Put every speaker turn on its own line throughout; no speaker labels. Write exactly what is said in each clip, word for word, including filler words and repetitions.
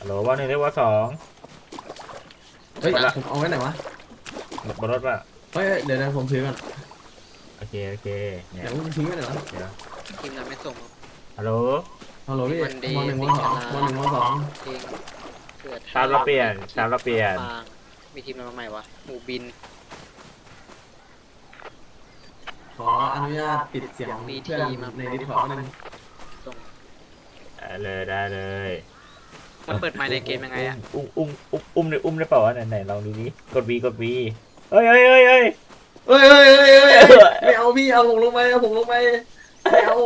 ฮัลโหลว่าหนึ่งเรียกว่าสอง
เฮ้ยผมเอาไว้ไหนวะ
บนรถป่ะ
เฮ้ยเดี๋ยวนะผมถือก่อน
โอเคโอเคเนี่
เดี๋
ย
ยวมึงทิ้งไว้ไหนวะ
เดี๋ยว
ทีมนั้นไม่ส่ง
ฮัลโหล
ฮัลโหลพี่
วันเดย์
วันหนึ่งวันสองวันหนึ่งวันสอง
เพลงเกิด
ชาร์จเราเปลี่ยนชาร์จเราเปลี่ยน
ฟางมีทีมอะไรมาใหม่วะหมูบิน
ขออนุญาตปิดเสียงเพื่อนในดิสคอร์ดนึง
ส่ง
ได้เลยได้เลย
มันเปิดไมค์ในเกมยังไงอะ
อุ้มอุ้มอุ้มอุ้มได้อุ้มได้เปล่าวะไหนไหนลองดูดิกด V กด V เฮ้ยเฮ้ยเฮ้ยเฮ้ย
เฮ้ยเฮ้ยเฮ้ยเฮ้ยไม่เอาพี่เอาผมลงไปเอาผมลงไปไม่เอา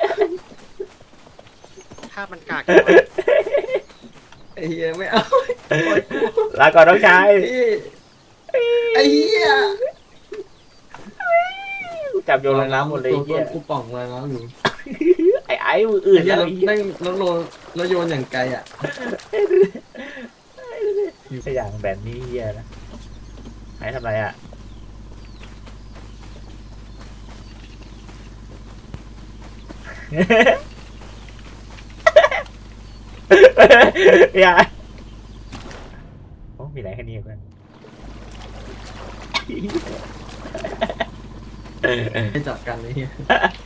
ภาพมันกาก
ไอ้เหี้ยไม่เอา
ลาก่อนน้องชาย
ไอ้เหี้ย
จับโยนลงน้ำหมดเลย
ตัว
เหี้ย
กูป่องเลยนะอยู่
ไอ้ไอ้มืออื่น
ไอ้เหี้ย
แล้ว
เราได้แล้วโยนแล้วโยนอย่างไกลอ่ะ
สอย่างแบบนี้เหี้ยนะไอ้ทำไรอ่ะอย่าโอ้มีไหนแค่นี้เพื่อน
ไม่จับกันเลยเหี้ย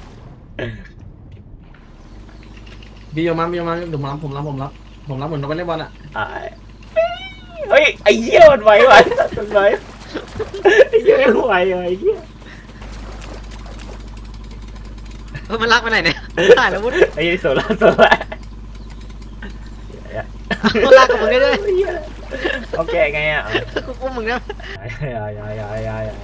พี่โยมาพี่โยมาผมรับผมรับผมรับผมรับเหมือนเราไปเล่นบอลอ่ะ
เฮ้ยไอ้เหี้ยมันไหวไหวมันไหวไอ้เหี้ยไม่ไหวเลยไอ้เหี้ย
เออมันรักไปไหนเนี่ยถ่ายแล้ววุ้น
ไอ้เหี้ยโซล่าโซล่า
มันรักกับมึงได้ด้วย
โอเคไงอ่ะ
กูกูมึงนะ
อย่าอย่าอย่าอย่าอย่า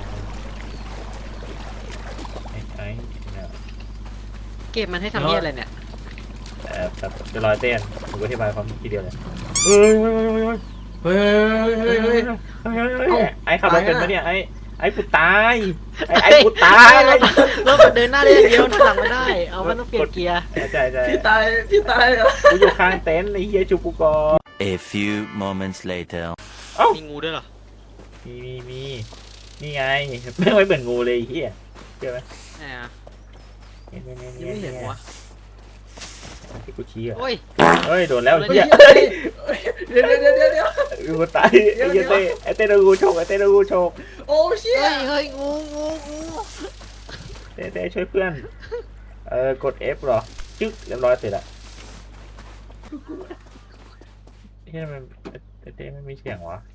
ไอ้ไอ้เนี่ย
เกมมันให้ทำเนียอะไรเนี่ย
เอ่อแบบจะลอยเต้นผมอธิบายความทีเดียวเลยเฮ้ยเฮ้ยเฮ้ยเฮ้ย
เฮ้ยเฮ้ยเฮ้ยเฮ้ย
เฮ้ยไอ้ขับรถเป็นปะเนี่ยไอ้ไอ้กูตายไอ้ไอ้กูตาย
รถรถมันเดินหน้าได้อย่างเดียวหลังไม่ได้เอามันต้องเปลี่ยนเกียร์
ใช่ใช่
พี่ตายพี่ตายเหรอ
กูอยู่ข้างเต็นท์ไอ้เฮียจูกูกอ
A few moments later
มีงูด้วยเหรอ
มีมีมีนี่ไงไม่ไม่เหมือนงูเลยไอ้เฮียเจอไหม
แหม
เนี่ยเนี่ยเนี่ย
ยังไม่เห็นหัว
ที่กูชี้อ่ะ
โอ้ย
เฮ้ยโดนแล้วไอ้เฮีย
เดี๋ยวเดี๋ยวเดี๋ยวเดี๋ยวเดี๋ยว
กูตายไอ้เฮียเต้ไอ้เต้โดนงูโฉกไอ้เต้โดนงูโฉก
โอ้เชี่ย
เฮ้ยเฮ้ยงูงูงู
เต้เต้ช่วยเพื่อนเออกด F เหรอจึ๊กเรียบร้อยเสร็จละเฮียมันไอ้เต้ไม่มีเสียงวะ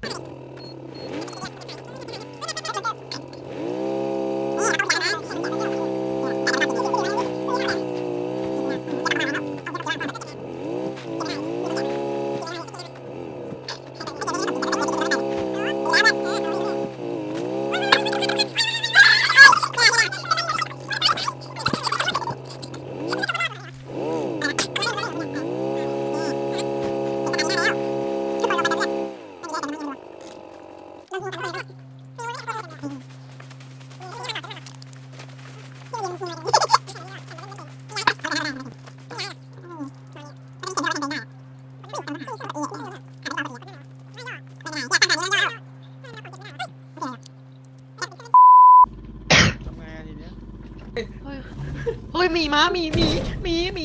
เฮ้ยมีม้ามีมีมีมี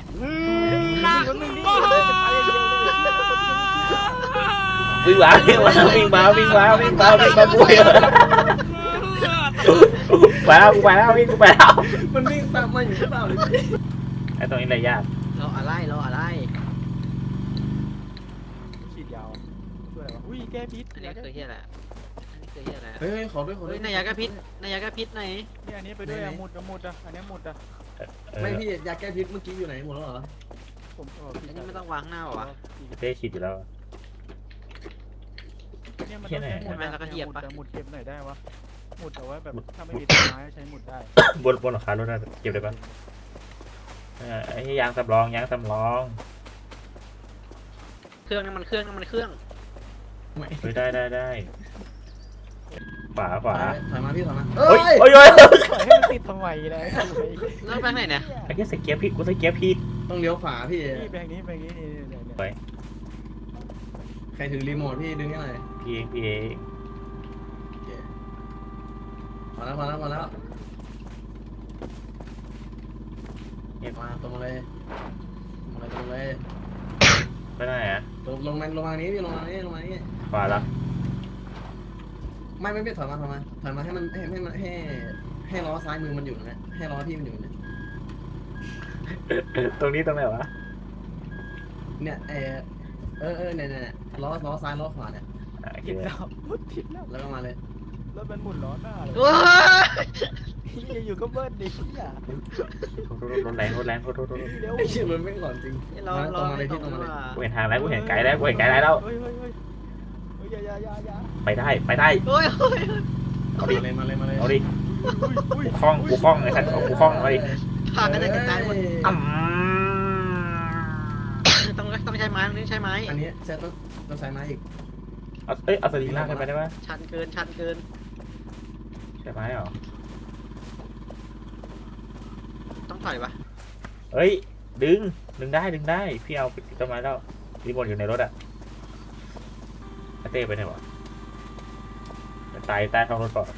วิ่งมาวิ่งมาวิ่งมาวิ่งมาวิ่งมาวิ่งมาบุยไปแล้วกูไปแล้ววิ่งกูไปแล้ว
มันวิ่งตามมาอยู่หรือเปล่าเลย
ไอ้ตรงนี้อะไรยาก
เราอะไรเราอะไร
ฉีดยาวช่วยอะไรวะอุ้ยแก้พิษ
อันนี้คือเฮียอะไรอันนี้คือเฮียอะไร
เฮ้ยขอด้วยขอด้
เฮ้
วย ย
นายยากระพิษนายยากระพิษไหน
นี่อันนี้ไปด้วยอะหมุดอะหมุดอะอันนี้หมุดอะ
ไม่พี่ยาแก้พิษเมื่อกี้อยู่ไหนหมดแล้วเหรอ
ผมเออ
อันนี้ไม่ต้องวางหน้าหรอวะ
เต้ฉีดอยู่แล้ว
เนี่ยมันต้องใช้หมุด
ทำไมเราก็เหยียบปะ
แต่หมุดเก็บหน่อยได้วะหมุดเอาไว้แบบถ้าไม่มีต้นไม้ใช้หมุดได้
บนบนหลังคารถน่ะเก็บได้ปะไอ้ยางสำรองยางสำรอง
เครื่องน้ำมันเครื่องน้ำมันเครื่อง
ไม่
เฮ้ยได้ได้ได้ขวาขวา
ถอยมาพี่ถอยมา
เฮ้ยเฮ้ยเฮ้ย
ปล่อยให้มันติดทำไมเลย
แล้วไปไหนเนี่ย
ไอ้เหี้ยใส่เกียร์ผิดกูใส่เกียร์ผิด
ต้องเลี้ยวขวาพี่
นี่ไปทางนี้ไปทางนี้นี่นี่นี่
ไป
ใครถือรีโมทพี่ดึงให้หน่อย
พี่เองพี่เอง
พอแล้วพอแล้วพอแล้วมาตรงเลยตรงเลยตรงเลย
ไปไหนอ่ะ
ลงลงมาลงมานี้พี่ลงมานี้ลงมานี้
ขวาละ
ไม่ไม่ไม่ถอยมาถอยมาถอยมาให้มันให้ให้มันให้ให้ล้อซ้ายมือมันอยู่นะให้ล้อพี่มันอยู่นะ
ตรงนี้ตรงไหนวะ
เนี่ยเออเออเออเนี่ยเนี่ยล้อล้อซ้ายล้อขวาเนี่ย
อ่ะโอเค
ติดแล้วรถติดแล้ว
แล้วก็มาเลย
รถมันหมุนล้อหน้าเลย
ว้า
เฮียอยู่ก็เบิ้ลดิเฮีย
รถแรงรถแรงรถรถรถ
เร็ว
ไอ้เชี่ยมันไม่หลอนจริง
เรา
มาต
เรา
รงมาเล
ไม่
ย
ตร
พี่
ง
ตรงมาเลย
ว่า
กูเห็นทางแล้วกูเห็นไกด์แล้วกูเห็นไกด์แล้ว
เฮ้ยเฮ้ยเฮ้ยเฮ้ยอย่าอย่าอย่าอย่า
ไปได้ไปได้
โอ้ยโอ้ย
เอา
มา
ดิ
เลยมาเลยมาเลย
เอาดิ
อุ้ย
กูคล้องกูคล้องไอ้ท่านกูคล้องเอาดิ
พากันจะกระจายหมด
อืม
ต้องต้องใช้ไม้ตรงนี้ใช้ไม้
อันนี้ใช้ต้องต้องใช้ไม้อีก
เอาเอ้ยเอาสลิงลากกันไปได้ปะ
ชันเกินชันเกิน
ใช่ไหมเหรอ
ต้องถอยปะ
เฮ้ยดึงดึงได้ดึงได้พี่เอาไปติดต้นไม้แล้วรีโมทอยู่ในรถอ่ะไอ้เต้ไปไหนวะตายใต้ท้องรถก่อน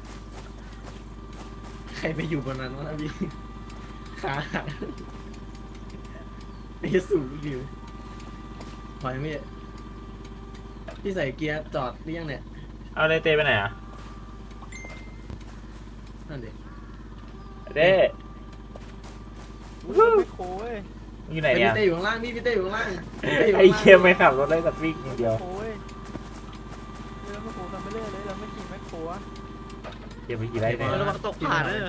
ใครไปอยู่บนนั้นวะนะพี่ขาหักไอ้สูงอยู่ถอยไม่พี่ใส่เกียร์จอดหรือยังเนี่ย
เอาเลยเต้ไปไหนอ่ะ
นั่นดิ
ไอ้เต้
อุ้ยไม่โค้ย
มึงอยู่ไหน
พี่
เนี่ย
เต้อยู่ข้างล่างพี่พี่เต้อยู่ข้างล่างพี่ต้ยู่
ไอ้
ข้างล่าง
เคียไม่ขับรถเลยแต่วิ่งอย่างเดียว
โค้ยเราไม่โค้ทำไปเรื่อยเลยเราไม่ขี่ไม่โค้อะ
เคียไปกี่ไรเนี่ย
เฮ้ยระวังตกผ่าเนอะ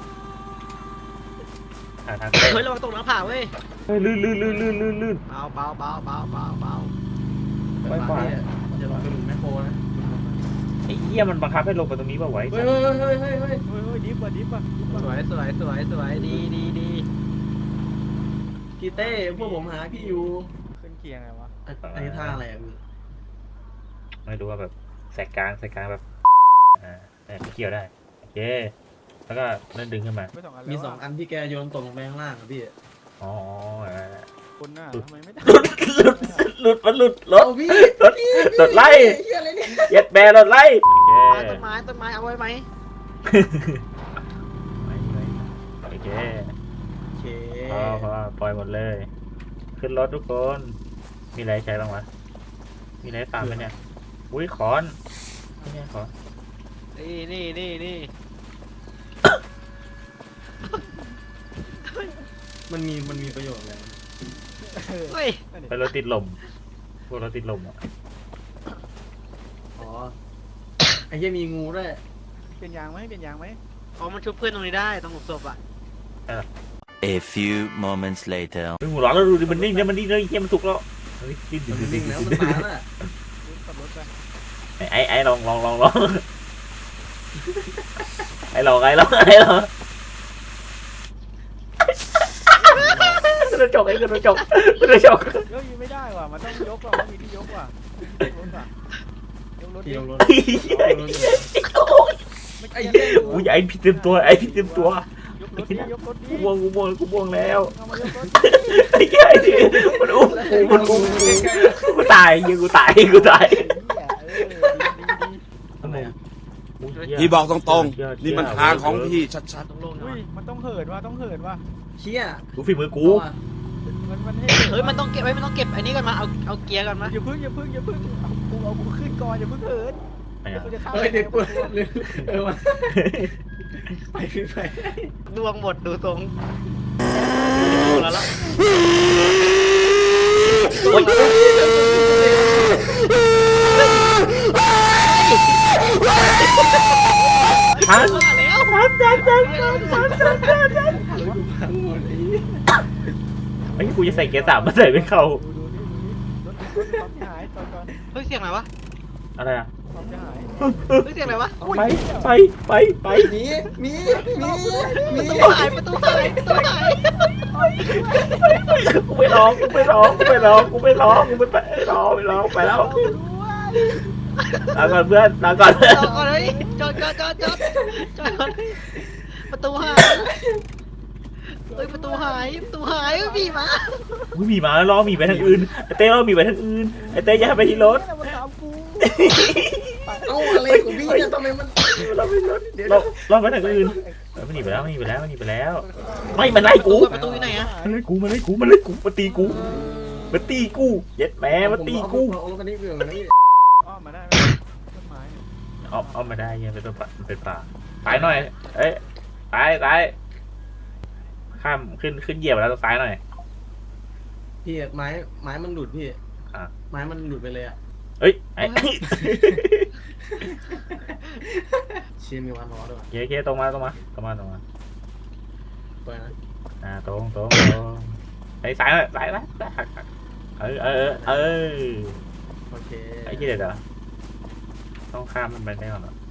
หาทางเต้
เฮ้ยระวังตกน้ำผ่าเว้ย
เฮ้ยลื่นลื่นลื่นลื่นลื่นลื่น
เบาเบาเบาเบาเบาเบา
ไม่ไหว
จะลงไปหลุมแมคโครนะ
ไอ้เหี้ยมันบังคับให้ลงไปตรงนี้ป่าวไว้
เฮ้ยเฮ้ยเฮ้ยเฮ้ยเฮ้ย
เฮ้ยเฮ้ยดิฟว่ะดิฟว่ะดิฟ
ส
ว่ะ
วยสวยสวยสวยดีดีดี
พี่เต้พวกผมหาพี่อยู่
ขึ้นเคียงไงวะ
อันอันนี้ท่าอะไรอ่ะพี่
ไม่รู้ว่าแบบแสกกลางแสกกลางแบบอ่าแต่เกี่ยวได้โอเคแล้วก็นั่นดึงขึ้นมา
ไม่สองอัน
มี
แล้ว
สองอันที่แกโยนตกลงไปข้างล่างอ่ะพี่
อ๋อ
คนหน้าทำไมไม่ได้
หลุดมันหลุดรถ
เอาพี่
รถรถไล่
เฮียอะไรเนี่ย
เย็ดแบรรถไล่โอเค
ต้นไม้ต้นไม้เอาไว้ไหม
โอเค
โอเค
พอพอปล่อยหมดเลย ขึ้นรถทุกคน มีอะไรใช้บ้างวะ มีอะไรตามไหมเนี่ย อุ้ยขอนไม่ใช่ขอน
นี่นี่นี่นี่
มันมีมันมีประโยชน์อะไร
เฮ้ย
เป็นรถติดลม พวกรถติดลมอ่ะ
อ๋อไอ้เหี้ยมีงูด้วย
เปลี่ยนยางไหมเปลี่ยนยางไหม
อ๋อมันชุบเพื่อนตรงนี้ได้ตรงหลุมศพอ่ะ
A few moments later.
เฮ้ยหัวร้อนแล้วดูดิมันนิ่งเนี่ยมันนิ่งเลยเฮียมันสุกแล้วเฮ้ยดิ้นดิ้น
มัน
ดิ้
วิ่
น
ง
ดิ้
แล้ว
น
มันตายแล้ว
ขับรถไป
ไอ้ไอ้ลองลองลองลองไอ้ลองไอ้ลองไอ้ลองกระจกไอ้กระจกกระจก
เฮ้ยไม่ได้ว่ะมันต้องยกว่ะมันมีที่ยกว่ะยกรถว่ะยกรถ
พี่
ดิ
ลงรถ
ไม่
ไอ้
เกี่ยว
เหี้ย
อุ้ยไอ้พี่เต็มตัวไอ้พี่เต็มตัวย
กรถดิยกรถดิ
กูบวงกูบวงกูบวงแล้ว
เอามายกรถ
ไอ้เหี้ยไอ้ที่มันอุ้มกูมันอุ้มกูกูตายยิงกูตายกูตาย
ทำไมอ่ะ
พี่บอกตรงๆ นี่มันทางของพี่ชัด
ต้องลง
อุ้
นะ
ยมันต้องเหินว่ะต้องเหินว่ะ
เชี่ย
กูฝีมือกู
มันมันให้
เฮ้ยมันต้องเก็บไว้มันต้องเก็บไอ้นี่ก่อนมาเอาเอาเกียร์ก่อนมา
อย่าพึ่งอย่าพึ่งอย่าพึ่งเอากูเอากูขึ้นก่อนอย่าพึ่งเหิน
ไม่เอา
กูจะเข้า
เฮ้ยเด็กปวดเออมาไปไป
ดวงหมดดูตรงแล้วละ
โอ๊ยทัน
มาแล้ว
ทันทันทันทันทันทันทันทัน
พังหมดไอ้
ไอ้กูจะใส่เกียร์สามมาใส่ไม่เข้า
ดูดูดิดูดิรถรถความเสียหายตอนก่อน
เฮ้ยเสียงอะไรวะ
อะไรอ่ะ
ความเสียหาย
เฮ้ยเสียงอะไรวะ
ไปไปไปไป
มีมีมีมี
ประตูหายประตูหายประตูหาย
กูไม่ร้องกูไม่ร้องกูไม่ร้องกูไม่ร้องกูไม่ไปร้องไม่ร้องไปแล้วลาก่อนเพื่อนลาก่อน
จอดก่อนเลยจอดจอดจอดจอดจอดก่อนประตูหายเฮ้ยประตูหายประตูหายพี่มา
กูมีมาแล้วล้อมีไปทางอื่นไอ้เต้ล้อมีไปทางอื่นไอ้เต้อย่าไปที่รถ
มันตามกู
เอ้าอะไรของพี่เนี่ยทำไมมัน
เราไปรถเราเราไปทางอื่นมันหนีไปแล้วมันหนีไปแล้วมันหนีไปแล้วไม่มันไล่กู
ประตูอยู่ไหนอะ
มันไล่กูมันไล่กูมันไล่กูมันตีกูมันตีกูเย็ดแม่มันตีกู
เอาลงกันนี่เรื่องนะพี่
อ้อมมาได้ไหมต้นไม้เนี่ย
เอาเอามาได้ยังเป็นตัวป่ามันเป็นป่าซ้ายหน่อยเอ้ยซ้ายซ้ายข้ามขึ้นขึ้นเหยียบแล้วต้องซ้ายหน่อย
พี่ไม้ไม้มันหลุดพี่
อ่ะ
ไม้มันหลุดไปเลยอ่ะ
เอ้ยไอ้
เชียร์มีวันล้อด้วย
เย้เย้ตรงมาตรงมาตรงมาตรงมา
ไปนะ
อ่าตรงตรงตรงไอ้ซ้ายหน่อยซ้ายนะเออเออเออ
โอเค
ไอ้ที่เด็ดเหรอต้องข้ามมันไปได้ก่อนเหรอ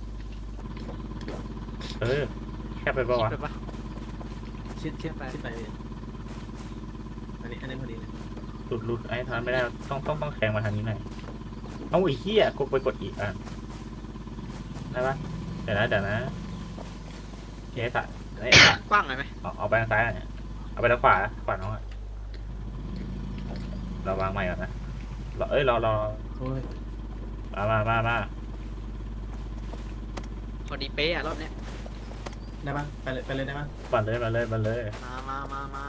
เออแค่ไปปะวะ
ไปปะ
ชิดชิดไปชิดไปพี่อันนี้อันนี้พอดีเลย
หลุดหลุดไอ้ทานไม่ได้ต้องต้องต้องแข่งมาทางนี้หน่อยเอาไอ้เหี้ยกดไปกดอีกอ่ะได้ปะเดี๋ยวนะเดี๋ยวนะเจ๊สัตว์ไอ้สัตว์
กว้างหน่อยไหม
เอาเอาไปทางซ้ายหน่อยเอาไปทางขวาขวาน้องอ่ะเราวางใหม่ก่อนนะเราเอ้ยเราเรา
โอ้ย
มามามามา
พอดีเป๊ะอะรอบเนี้ย
ได้ปะไปเลยไปเลยได้ปะ
ปั่นเลยมาเลยมาเลย
มามามามา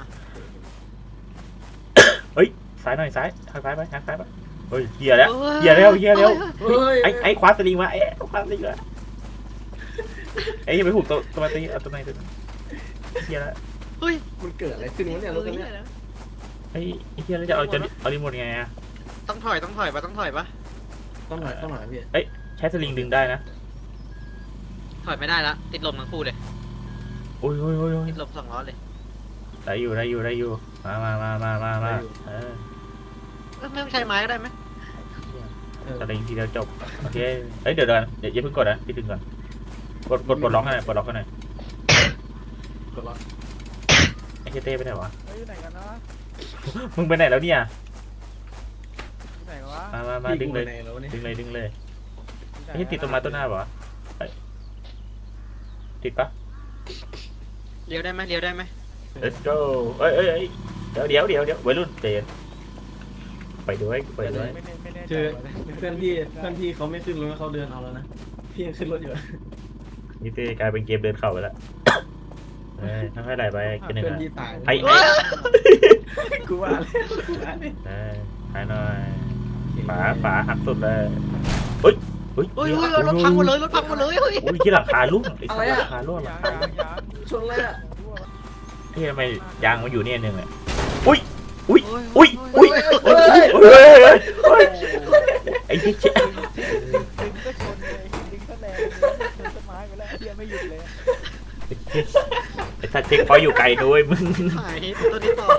เฮ้ยซ้ายหน่อยซ้ายทางซ้ายไปทางซ้ายไปเฮ้ยเฮียแล้วเฮียแล้วเฮียแล้ว
เฮ้ย
ไอ้ไอ้คว้าสลิงมาไอ้คว้าสลิงมาไอ้ยังไม่ถูกตัวตัวตีเอาตัวไหนตัวเฮียแล้ว
เฮ้ย
มันเกิดอะไรขึ้นวะเนี่ยรถคันเนี้ย
ไอ้เฮียแล้วจะเอาจะเอารีโมทไงอะ
ต้องถอยต้องถอยปะต้องถอยปะ
ต้องหน่อยต้องหน่อยพี่
ใช้สลิงดึงได้นะ
ถอยไม่ได้ละติดลมทั้งคู่เลย
โอ้ยโอ้ยโอ้ยโอ้ย
ติดลมสองล้อเลย
ได้อยู่ได้อยู่ได้อยู่มามามามามามาเออ
เอ้ยไม่ต้องใช้ไม้ก็ได้ไหม
เออ
สลิงทีเดียวจบโอเคเอ้ยเดี๋ยวเดี๋ยวเดี๋ยวอย่าเพิ่งกดนะพี่ดึงก่อนกดกดกดล็อกให้หน่อยกดล็อกให้หน่อย
กดล็อก
ไอ้เจเต้ไปไหนวะ
เฮ้ยอยู่ไหนกันนะ
มึงไปไหนแล้วเนี่ย
อยู่ไหนวะ
มามามา
พี่
ดึง
กู
เลย
ในแล้วเนี่ย
ดึงเลยดึงเลย
อยู่ไหน
ไอ้ติดต้นไม้ต้นหน้าเปล่าวะเฮ้ยติดปะ
เลี้ยวได้ไหมเลี้ยวได้ไหม
let's go เอ้ยเอ้ยเอ้ยเดี๋ยวเดี๋ยวเดี๋ยวเดี๋ยววัยรุ่นเตนไปด้วยไปด้วย
ไม่แน่ไม่แน่ใจ
คือ
ว่ะ
เพื่อนพี่เพื่อนพี่เขาไม่ขึ้นรถเขาเดินเอาแล้วนะพี่ยังขึ้นรถอยู่
นี่เต้กลายเป็นเกมเดินเข่าไปแล้วเอ้ยค่อยๆไหลไปกันหนึ่ง
เพื่อน
อ่ะ
พี่ตาย
ไอ้
เฮ้
ไอ้
ย
กูว่าเลยกูว่าเลย
เออหายหน่อยฝาฝาหักสุดเลยเฮ้ยเฮ้ย
เฮ้ยเฮ้ยรถพังหมดเลยรถพังหมดเลยเฮ้ย
อุ้ยที่หลังคาลุ่มไอ้สัตว์หลังคาลุ่มหลั
ยาง ง
คาย
างยาง
ชนเลยอ่ะ
ที่ทำไมยางมันอยู่เนี่ยหนึ่งอ่ะอุ้ยอุ้ยอุ้ย
โอ้
อุ้
ย
ย
โอ้ย
เฮ้ยเฮ้ยเฮ้ยไอ้เหี้ย
ดึงก็ชนเลยดึงก็แรงเลยชนต้นไม้ไปแล้วเฮียไม่หยุดเลย
ไอ้สัตว์เจ๊กพออยู่ไกลด้วยมึง
หายตัวนี้ต่อ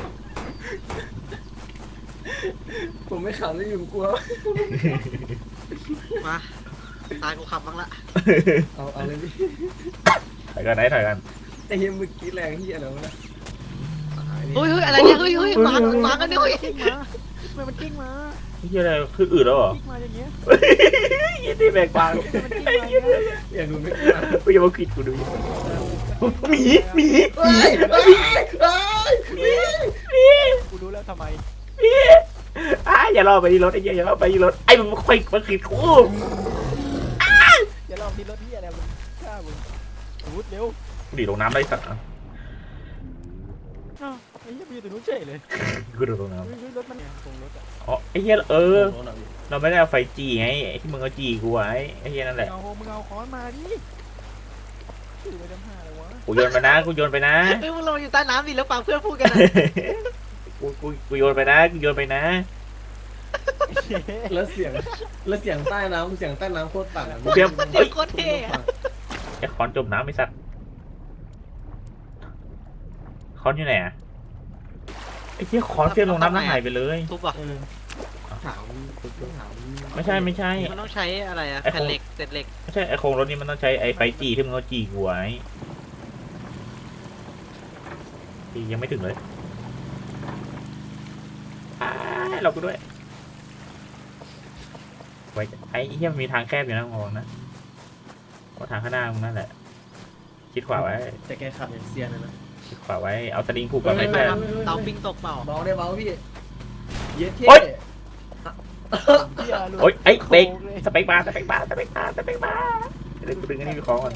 ผมไม่ขับแล้วอยู่กลัว
มาตายกูขับบ้างละ
เอาเอาเลยพี่
ถอยกันไหนถอยกัน
ไอ้เหี้ยเมื่อกี้แรงเหี้ยอะไรวะเนี่ยตายนี่
เฮ้ยเฮ้ยอะไรเนี่ยเฮ้ยเฮ้ยมามากันเนี่ยเฮ้ย
กิ้งมาทำไมมันกิ้งมา
เหี้ยอะไรขึ้นอืดแล้วเหรอ
กิ้งมาอย่างเงี้ย
ยี่ที่แบกกวาง
มันกิ้งมาอย่างเงี้ย
อย่าดูไม่กลัว
กูอย่ามาคิดกูดูหมีหมี
เฮ้ยเฮ้ยเฮ้ย
กูรู้แล้วทำไม
หมีอ้าอย่ารอไปที่รถไอ้เหี้ยอย่ารอไปที่รถไอ้มันค่อยมาขีดกู
อย่าลองที่รถที่อะไรมึงฆ่ามึงรูดเร็ว
กูดีลงน้ำได้สัก
อ้าวไอ้เหี้ยไปอยู่ตรงนู้นเฉยเลย
กูดีลงน้
เฮ้ยเฮ้ยรถมันเนี่ยตรงรถอะ
ำอ๋อไอ้เหี้ยเออเราไม่ได้เอาไฟจีไงไอ้ที่มึงเอาจีกูไว้ไอ้เหี้ยนั่นแหละ
เอามึงเอาค้อนมาดิถือไปจำห้าเลยวะ
กูโยนไปนะกูโยนไปนะ
เฮ้ยมึงลงอยู่ใต้น้ำดิแล้วฟังเพื่อนพูดกันนะ
กูกูกูโยนไปนะกูโยนไปนะ
แล้วเสียงแล้วเสียงใต้น้ำเสียงใต้น้ำโคตรต่างอะ
เตรียม
เสีย
เฮ้ย
งโคตรเท่อะ
ไอ้คอนจมน้ำไอ้สัตว์คอนอยู่ไหนอะไอ้เหี้ยคอนเฟี้ยงลงน้ำแล้วหายไปเลย
ทุบอ่ะ
เออถามถาม
ไม่ใช่ไม่ใช่
มันต้องใช้อะไรอะ
ไอ้
แผ่น
ของ
เหล็กเศษเหล็ก
ไม่ใช่ไอ้โครงรถนี่มันต้องใช้ไอ้ไฟจีที่มึงเอาจีกูไว้จียังไม่ถึงเลยอ้ายเรากูด้วยไว้ไอ้เหี้ยมันมีทางแคบอยู่นะมองนะว่าทางข้างหน้ามึงนั่นแหละคิดขวาไว้
แต่แกขับอย่างเซียนเลยนะ
คิดขวาไว้เอาสลิงผูกกับไอ้
ไป
เพื่อน
ทำเตาปิ้งตกเปล่า
เบาได้เบาพี่เย็ดเท่
โอ๊ย
เหี้ยหลุด
โอ๊ยไอ้เบรก
โค้งเลย
สเปกบาร์สเปกบาร์สเปกบาร์สเปกบาร์เดี๋ยวกูดึงอันนี้ไปคล้องก่อน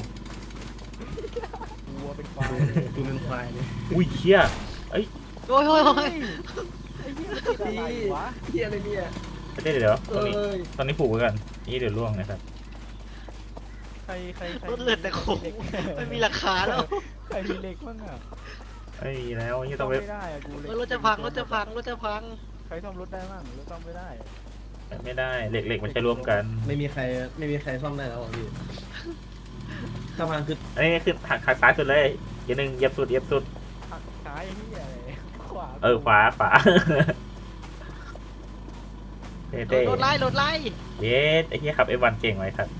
วัวเป็นควาย
กูเป็นควายเลย
อุ้ยเชี่ย
โอ้ยโอ้ยโอ้ย
ไอ้เหี้พี่อะไรวะ
เฮียอะไรเนี่ย
เต้เดี๋ยวต
เอ
รงนี้
้ย
ตอนนี้ผูกไว้กันนี่เดี๋ยวล่วงนะครับ
ใครใครใคร
รถเลือดแต่โคงไม่มีราคาแล้ว
ใครมีเหล็กบ้างอ่ะ
ไอ้ยแล้วนี่
ซ่
ต้
อ
อ
ม
งไป
ไม่ได้อะกูเหล็
เฮ้
ก
ยรถจะพังรถจะพังรถจะพัง
ใครซ่อมรถได้บ้างรถซ่อมไม่ได้
ไม่ได้เหล็กเหล็กมันใช้ร่วมกัน
ไม่มีใครไม่มีใครซ่อมได้แล้วอ่ะพี่ถ้าพังคือ
อันนี้คือหักหักซ้ายสุดเลยอย่าหนึ่งเหยียบสุดเหยียบสุด
หักซ้ายที่อะไรขวา
เออขวาขวาเต้
โด
เต้
นรถไล่รถไล่
เย้ไอ้เหี้ยขับเอวันเก่งไว้ครับ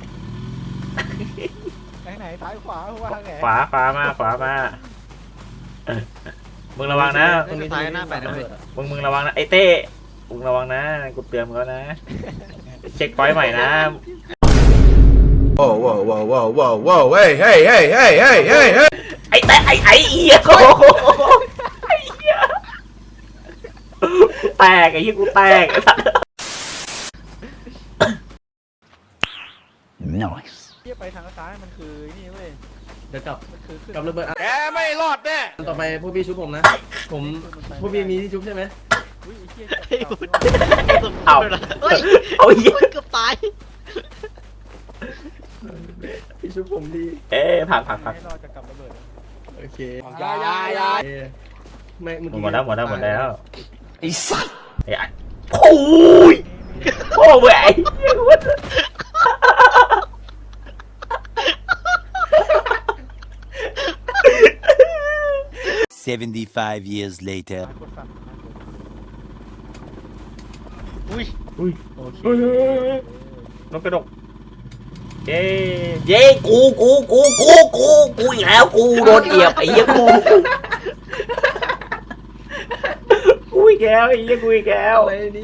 ไหนไหนซ้ายขวาว่าไง
ขวาขวามาขวามามึงระวังนะ
ตรงนี้
ซ้ายหน้าแปดนะเว้ย
มึงมึงระวังนะไอ้เต้มึงระวังนะกูเตือนมึงแล้วนะเช็คพอยต์ใหม่นะ
Whoa, whoa, whoa, whoa, whoa, whoa, hey, hey, hey, hey, hey, hey, hey.
ไอ้เต้ไอ้ไอ้เหี้ยโอ้โหไอ้เหี้ยกูแตกไอ้เหี้ยกูแตกไอ้สัส
Nice.
เที่ยไปทางซ้ายมันคือนี่เว้ย
เดี๋ยวกลับ
มันคือขึ้น
กลับระเบิดอ่ะ
แกไม่รอดแน่
ต่อไปพวกพี่ชุบผมนะ ผมพวกพี่มีที่ชุบใช่ไหม
อุ้ยไอ้เที่ย
ไอ้
จับ
บุญ
จับ
เฮ้ย
เอาเหี้ย
เกือบตาย
พี่ชุบผมดี
เอ๊ะผ่านผ่านผ่าน
ให้รอจะกลับระเบิด
โอเค
ยายายา
เอ้ยไม่เมื่อ
หม
กี้
ดแล้วหมดแล้วหมดแล้ว
ไอ้สัตว์
ไอ้ไอ้โอ้ยโอ้ยไอ้เหี้ย
Seventy-five years later.
กดสั่น
อุ้ย
อุ้ย
โอเค
เฮ้ยเฮ้ยเฮ้ยนกกระดกเย้เย้กูกูกูกูกูกูอีกแล้วกูโดนเหยียบไอ้เหี้ยกูกูอีกแล้วไอ้เหี้ยกูอีกแล้ว
อะไรเนี่ย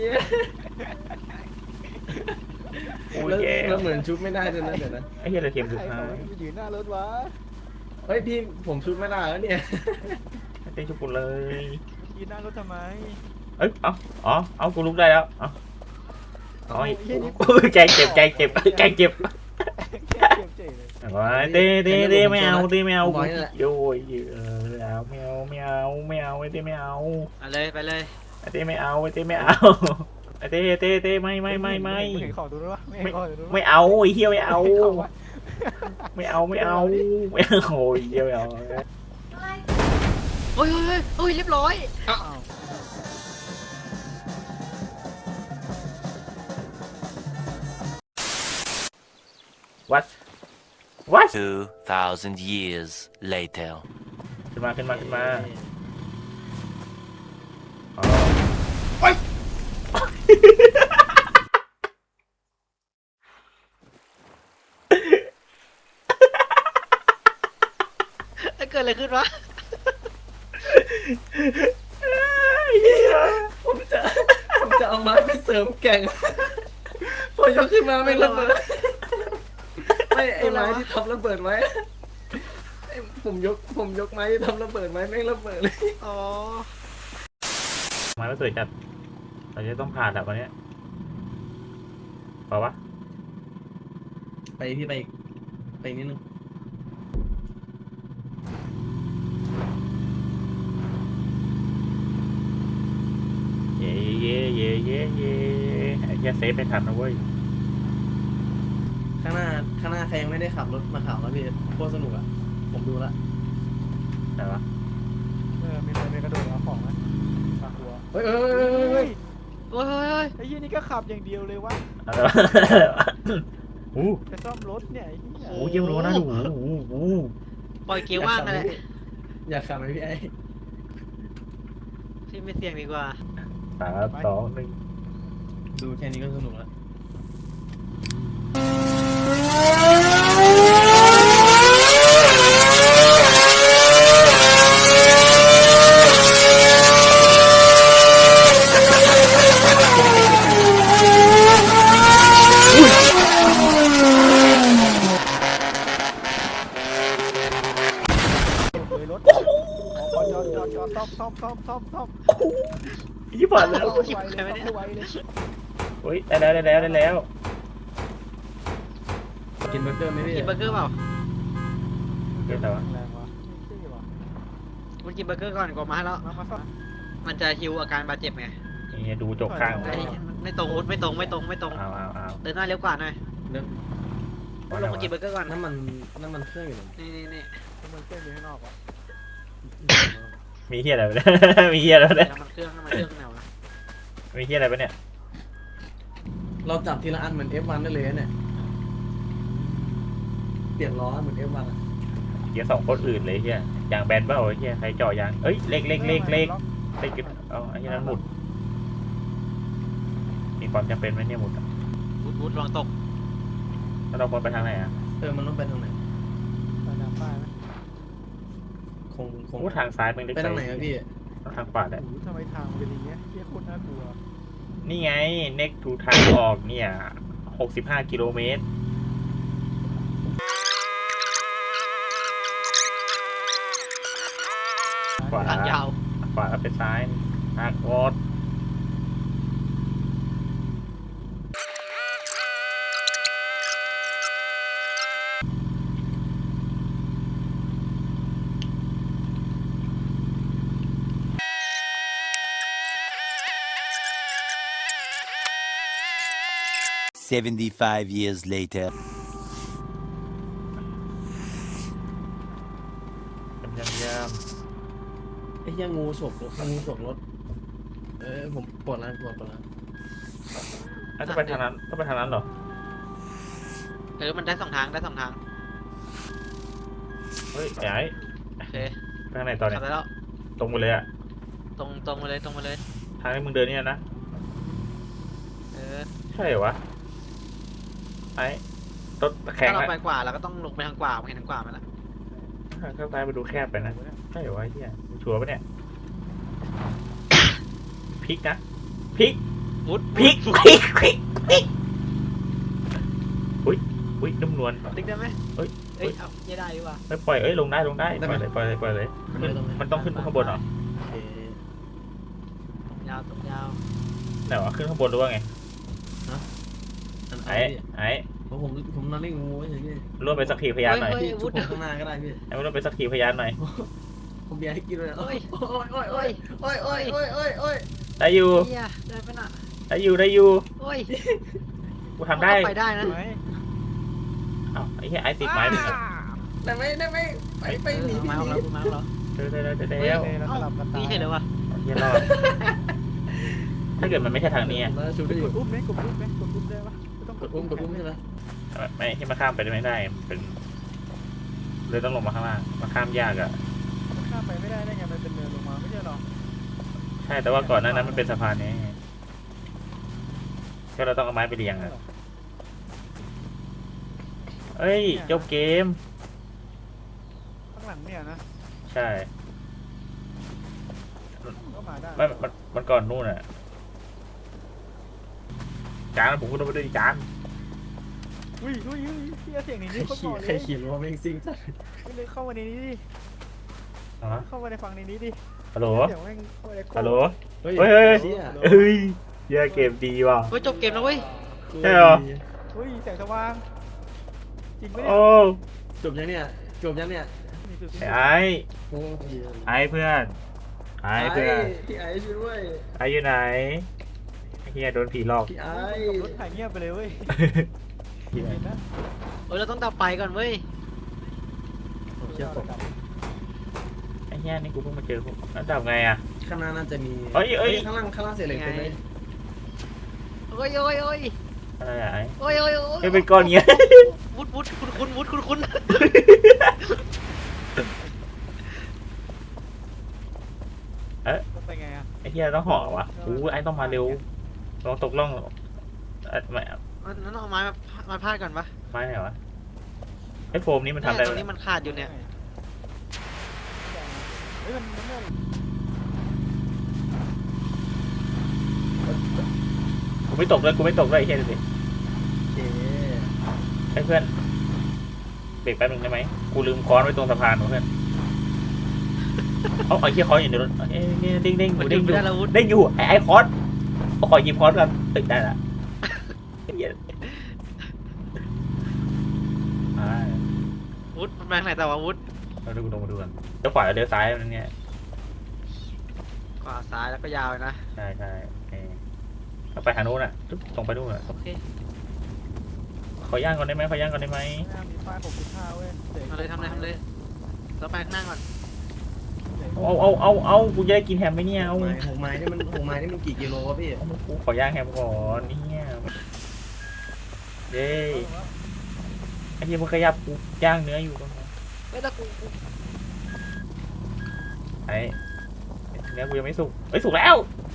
กูอี
แล้ว
กแล้ว
แล้วเหมือนชุบไม่ได้ด้วยนะเดี๋ยวนะ
ไอ้เหี้ยเราเทียมสุด
ใคร
ท้า
เขา
ย
ไปยืนหน้ารถวะ
เฮ้ยพี่ผมชุบไม่ได้แล้วเนี่ย
เต้นชุบกูเลย
ยืนหน้ารถทำไม
เอ้ยเอาอ๋อเอากูลุกได้แล้วเอาอ๋อ
เหี้ยนี่
แกเจ็บแกเจ็บแกเจ็บ
แค่เจ็บเจ๋เลย
เต้เต้เต้ไม่เอาเต้ไม่เอา
บอยนั่นแหละ
โย้ยเออเอาไม่เอาไม่เอาไม่เอาไอ้เต้ไม่เอา
เอาเลยไปเลย
ไอ้เต้ไม่เอาไอ้เต้ไม่เอาไอ้เต้เต้เต้ไม่ไม่ไม่ไม่
เห็นของตรงนู้นวะไม่เห็นของตรงนู้นวะ
ไม่เอาไอ้เหี้ยไม่เอา
ไม่เอาวะ
ไม่เอาไม่เอาไม่เอาโอ้ยเหี้ยไม่เอา
เฮ้ยเฮ้ยเฮ้ยเฮ้ยเรียบร้อย
อ้าว
วัดวัด
Two thousand years later.
ขึ้นมาขึ้นมาขึ้นมาอ๋อ
เกิดอะไรขึ้นวะ
ผมจะผมจะเอาไม้ไปเสริมแก่งพอยกขึ้นมาไม่ระเบิดไม่ไอ้ไม้ที่ทำระเบิดไว้ไอ้ผมยกผมยกไม้ที่ทำระเบิดไว้ไม่ระเบิดเลย
อ๋อ
มาไม่สวยจัดเราจะต้องผ่านแบบวันเนี้ยเปล่าวะ
ไปพี่ไปอีกไปอีกนิดนึง
เย่เย่เย่เย่เย่ไอ้เหี้ยเซฟไม่ทันนะเว้ย
ข้างหน้าข้างหน้าใครยังไม่ได้ขับรถมาขับแล้วพี่โคตรสนุกอ่ะผมดูละ
แต่วะ
เออมีคนไปกระโดดเอาของนะฝากหัว
เฮ้ยเฮ้ยเฮ้ยเฮ้ย
เฮ้ยเฮ้ยเฮ้ย
ไอ้ยี่นี่ก็ขับอย่างเดียวเลยวะ
อะไรวะอู้
จะซ่อมรถเนี่ยไอ้เหี้ย
หูเยี่ยมรู้นะดูหูหูหู
ปล่อยเกียร์ว่างนั่นแหละ
อยากขับไหมพี่ไอ้
ที่ไม่เสี่ยงดีกว่า
สามสองหนึ่ง
ดูแค่นี้ก็สนุกแล้ว
เลยรถขอจอดจอดจอดซ่อมซ่อมซ่อมซ่อมซ่อม
ยี่ผ่านแล้ว
ซ่อมไวเลยซ่อมไวเลย
เฮ้ยได้แล้วได้แล้วได้แล้ว
กินเบอร์เกอร์ไหมพี่
กินเบอร์เกอร์เปล่า
เดี๋ยวแต่ว่า
แรงวะไม่ใช่วะ
คุณกินเบอร์เกอร์ก่อนกว่ามาให้แล้ว
มามาซ่อม
มันจะฮิวอาการบาดเจ็บไง
โอเคนี่ดูจกข้าง
ไอ้ไม่ตรงวุฒิไม่ตรงไม่ตรงไม่ตรง
เอาเอาเอา
เดินหน้าเร็วกว่าหน่อย
เดี๋ยว
ลงมากินเบอร์เกอร์ก่อน
น้ำมันน้ำมันเครื่องอยู่ไหน
นี่นี่นี่
ทำไมเส้นอยู่ข้างนอกวะ
มีเฮียอะไรไปเนี่ย มีเฮียอะไรไปเนี่ย
น้ำมันเครื่องน้ำมันเครื่องแนวนะ
มีเฮียอะไรไปเนี่ย
เราจับทีละอันเหมือน เอฟ วัน ได้เลยนะเนี่ยเปลี่ยนล้อเหมือน เอฟ วัน อะ
เฮียสองคนอื่นเลยเฮียยางแบนเปล่าเฮียใครเจ่อยางเอ้ยเล็กเล็กเล็กเล็กเล็กเอาไอ้เหี้ยนั้นหมุดมีความจำเป็นไหมเนี่ยหมุดอะ
วุฒิวุฒิระวังตก
แล้วเราควรไปทางไหนอ่ะ
เออมันต้องไปทางไหน
ไปน้ำป้ายไหม
คงคง
โอ้ทางซ้ายมันเล็ก
ไปทางไหนอะพี่
ต้องทางขวาแหละ
โอ้โหทำไมทางมันเป็นอย่างเงี้ยเฮียโคตรน่ากลัว
นี่ไงเน็กทูทางออกเนี่ยหกสิบห้ากิโลเมตรขวา
ทางยาว
ขวาแล้วไปซ้ายทางวอด
Seventy-five years later.
ยำยำย
ไอ้เหี้ยงูฉกรถงูฉกรถเออผมปวดแล้วปวดปวดแล้ว
ำอ่ะต้องไปทางนั้นต้องไปทางนั้นเหรอ
เออมันได้สองทางได้สองทาง
เฮ้ยไอ้
โอเค
ไปทางไหนต่อเนี่ย
ขับได้แล้ว
ตรงไปเลยอ่ะ
ตรงตรงมาเลยตรงมาเลย
ทางที่มึงเดินเนี่ยนะ
เออ
ใช่เหรอวะไอ้รถแข็ง
ถ้าเรา
อะ
ไปกว่าเราก็ต้องลงไปทางกว่าเห็นทางกว่าไหมล่ะ
ข้างซ้ายมาดูแคบไปนะใช่เหรอวะไอ้เฮียมึงชัวร์ปะเนี่ยพลิกนะพลิก
วุฒิ
พลิกพลิกพลิกพลิกอุ้ยอุ้ยนุ่มนวล
ติ๊กได้ไหม
เฮ้ย
เอ้ยเอาไม่ได้ดีกว่า
ไม่ปล่อยเอ้ยลงได้ลงได้ปล่อยเลยปล่อยเลยปล่อยเลย
มัน
ขึ้น
ไม่ต้อง
มันต้องขึ้นข้างบนเหรอ
โอเค
ยาวตรงยาว
ไหนวะขึ้นข้างบนหรือว่าไง
อัน
ไอ้
ไอ้
ไอ้
ผมผมผมนอนเล่นงูเฉยพี่
ร่วมเป็นสักขีพยานหน่อย
พี่ชุบผมข้างหน้าก็ได้พี่
ไอ้ร่วมเป็นสักขีพยานหน่อย
ผมเบียร์ให้กินเลย
โอ้ย
โอ้ยโอ้ยโอ้ยโอ้ยโอ้ยโอ้ยโอ้ยโอ้ย
ได้อยู่
เฮียได้ปะน่ะ
ได้อยู่ได้อยู่
โอ้ย
กูทำได้
ไปได้นะ
ไหม
อ้าวไอ้เหี้ยไอ้ติดไม้หนึ่งอะ
ได้ไหมได้ไหมไปไป
เออ
หนี
มา
หนี
เอาแล้วกูมาเอาแล้ว
เจอได้ได้ได้
เฮ้
แล้
ยว แล้ว
เอ้า
สลับกันตาย
นี่เห็นเลยวะ
เฮียรอดถ้าเกิดมันไม่ใช่ทางนี้อะ
แล้วชุบได้อก ยู่
ดอุ้มไหมกดอุ้มไหมกดอุ้มได้ปะไม่ต้อง
กดอุ้มกดอุ้มใช่ไหม
ไม่ที่มาข้ามไปไม่ได้มันเป็นเลยต้องลงมาข้างล่างมาข้ามยากอะ
ข้ามไปไม่ได้ได้ไงมันเป็นเนินลงมาไม่ใช่หรอ
ใช่แต่ว่าก่อนหน้านั้นมันเป็นสะพานนี้ก็เราต้องเอาไม้ไปเรียงอะเอ้ยจบเกม
ข้างหลังเนี่ยนะ
ใช่
ก็มาได้
ไม่มันมันก่อนนู่นอะจานผมก็ต้องไปด้วยจาน
อุ้ยอุ้ยอุ้ยเฮียเสียงใน
ใคร
นี้ก็บ
ขี่
อก
ใค
เล
ร
ย
ขี่รถแม่งซิ่งจัด
เลยเข้ามาในนี้ดิ
อ๋อ
เข้ามาในฝั่งในนี้ดิ
ฮัลโหล
เสียงแม่งเข้ามาในโค
ฮัลโหล
เฮ้ย
เฮ้ยเฮ้ย
เชี่ย
เฮ้ยเหี้ยเกมดีว่ะ
เฮ้ยจบเกมแล้วเว้ย
ใช่เหรอ
อุ้ยแสงสว่างจริงไหมเนี่ย
โอ้
จบยังเนี่ยจบยังเนี่ย
นี่คือ
ไอ้ไอ้
โอ้ย
ไอ้เพื่อนไอ้เพื่อน
พี่ไอ้ช่วยด้วย
ไอ้อยู่ไหนไอ้เฮียโดนผีหลอก
พี่ไอ้
กับรถถ่ายเงียบไปเลยเว้ย
เหี้ย
เห็นนะ
เออเราต้องดับไฟก่อนเว้ย
ผมเชื่อผม
ไอ้เฮียนี่กูเพิ่งมาเจอพวกแล้วดับไงอ่ะ
ข้างหน้าน่าจะมี
เอ้ยเอ้ย
ข้างล่างข้างล่างเสียเหล็กเต็มเลย
โอ้ยโอ้ยโอ้ย
อะไรอ่ะไอ้
โอ้ยโอ้ยโอ้ย
ไม่เป็นก้อนเงี้ย
วุดวุดคุณคุณวุดคุณคุณ
ต้องไปไงอ่ะ
ไอ้เฮียต้องห่อวะอู้ไอ้ต้องมาเร็วลองตกล่องเอ่อไม่
นั่นเอาไม้มามาพาดก่อนปะ
ไม่ไหนวะไอ้โฟมนี้มันทำ
เนี่
ได้
ยตร
ไหม
งนี้มันขาดอยู่เนี่ย
เฮ้ยมันมันไม่
กูไม่ตกเลยกูไม่ตกเลยไอ้เฮียดูดิ
โอเค
ไอ้เพื่อนเบรกแป๊บนึงได้ไหมกูลืมค้อนไว้ตรงสะพานว่ะเพื่อนเอาไอ้เฮียค้อนอยู่ในรถเอ้ยเนี่ยเด้งเด้งอ
มัน
ยู่
หยุ
เด้
ด
งอ
ไม่
ยู่
ได้แล้ววุด
เด้งอยู่ไอ้ไอ้ค้อนเอาขอหยิบค้อนกันตึกได้ละเฮียอ่า
วุดมันไปทางไหนแต่ว่าวุด
เราดูลงมาดูกันเลี้ยวขวาหรือเลี้ยวซ้ายนั่นเนี่ย
ขวาซ้ายแล้วก็ยาวเลยนะ
ใช่ใช่เออเอาไปทางนู้นอ่ะจุ๊บตรงไปนู่นอ่ะ
โอเค
ขอย่างก่อนได้ไหมขอย่างก่อนได้ไหม
หน้ามีป้ายหกสิบห้าเว้ยด็ก
ทำเลยทำเลยทำเลยเราไปข้างหน้าก่อน
เอาเอาเอาเอากูจะได้กินแฮมไหมเนี่ยเอา
หกไม้หกไม้นี่มันหกไม้นี่มันกี่กิโลวะพี่
เอากูขอย่างแฮมก่อนเนี่ยเย้ไอ้เหี้ยมึงขยับกูย่างเนื้ออยู่ตรงนั้น
ไม่ต้องกูกู
ไอ้เนื้อกูยังไม่สุกเอ้ยสุกแล้ว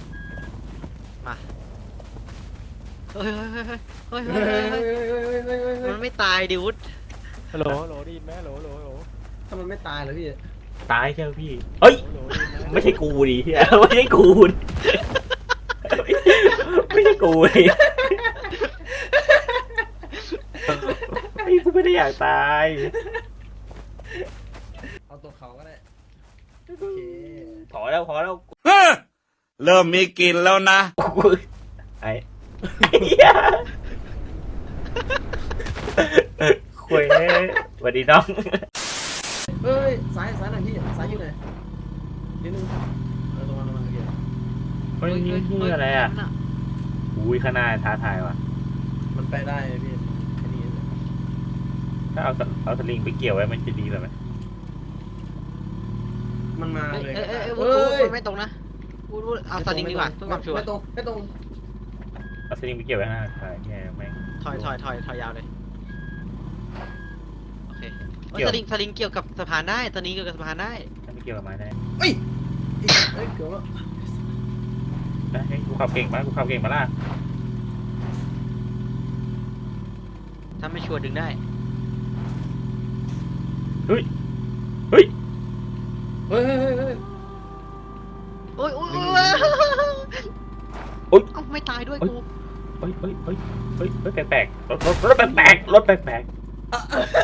เฮ้ยเฮ้ยเฮ้ยเฮ้ยเฮ้ยเฮ้ยเฮ้ยเฮ้ยมันไม่ตายดิวุฒ
ฮัลโหลฮัลโหลได้ยินไหมฮัลโหลฮัลโหลฮัลโหล
ถ้ามันไม่ตายเหรอพี่
ตายใช่ไหมพี่เฮ้ย
ฮัลโหลได้ยินไหม
ไม่ใช่กูดิเหี้ยไม่ใช่กูดิไม่ใช่กูดิไอ้กูไม่ได้อยากตาย
เอาตัวเขาก็ได้โอเค
พอแล้วพอแล้ว
เริ่มมีกลิ่นแล้วนะ
กูไอ้เหี้ยคุยสวัสดีน้อง
เฮ้ยซ้ายซ้ายหน่อยพี่ซ้ายอยู่ไหนนิดนึงเออตรงนั้นตรงนั้นโอเค
เฮ้ยนี่คืออะไรอ่ะอุ้ยข้างหน้าท้าทายว่ะ
มันไปได้พี่แค่นี้
ถ้าเอาสเอาสลิงไปเกี่ยวไว้มันจะดีเลยไหม
มันมา
เอ้ย
เลย
เอ้ยเอ้ย
เฮ้
วุฒวุฒไม่ตรงนะวุฒวุฒเอาสลิงดีกว่าเพื่อความชัวร์
ไม่ตรงไม่ตรง
เอาสลิงไปเกี่ยวไว้ข้างหน้าใช่แง่แม่ง
ถอยถอยถอยถอยยาวเลยโอเค
เกี่ยว
สลิงสลิงเกี่ยวกับสะพานได้สลิงเกี่ยวกับสะพานได้
ถ้าไม่เกี่ยวกับไม้ได้
เฮ้ยเฮ้ยเกือบแล้ว
นะให้กูขับเก่งมากกูขับเก่งมาล่ะ
ถ้าไม่ชัวร์ดึงได้
เฮ้ยเฮ้ย
เฮ้ยเฮ้ยเฮ้ยเฮ้ย
โอ้ยโอ้ย
ดึ
โอ้
ง
ย
โอ๊ย
เอ้าไม่ตายด้วยกู
เฮ้ยเฮ้ยเฮ้ยเฮ้ยเฮ้ยแปลกๆรถรถรถแปลกๆรถแปลก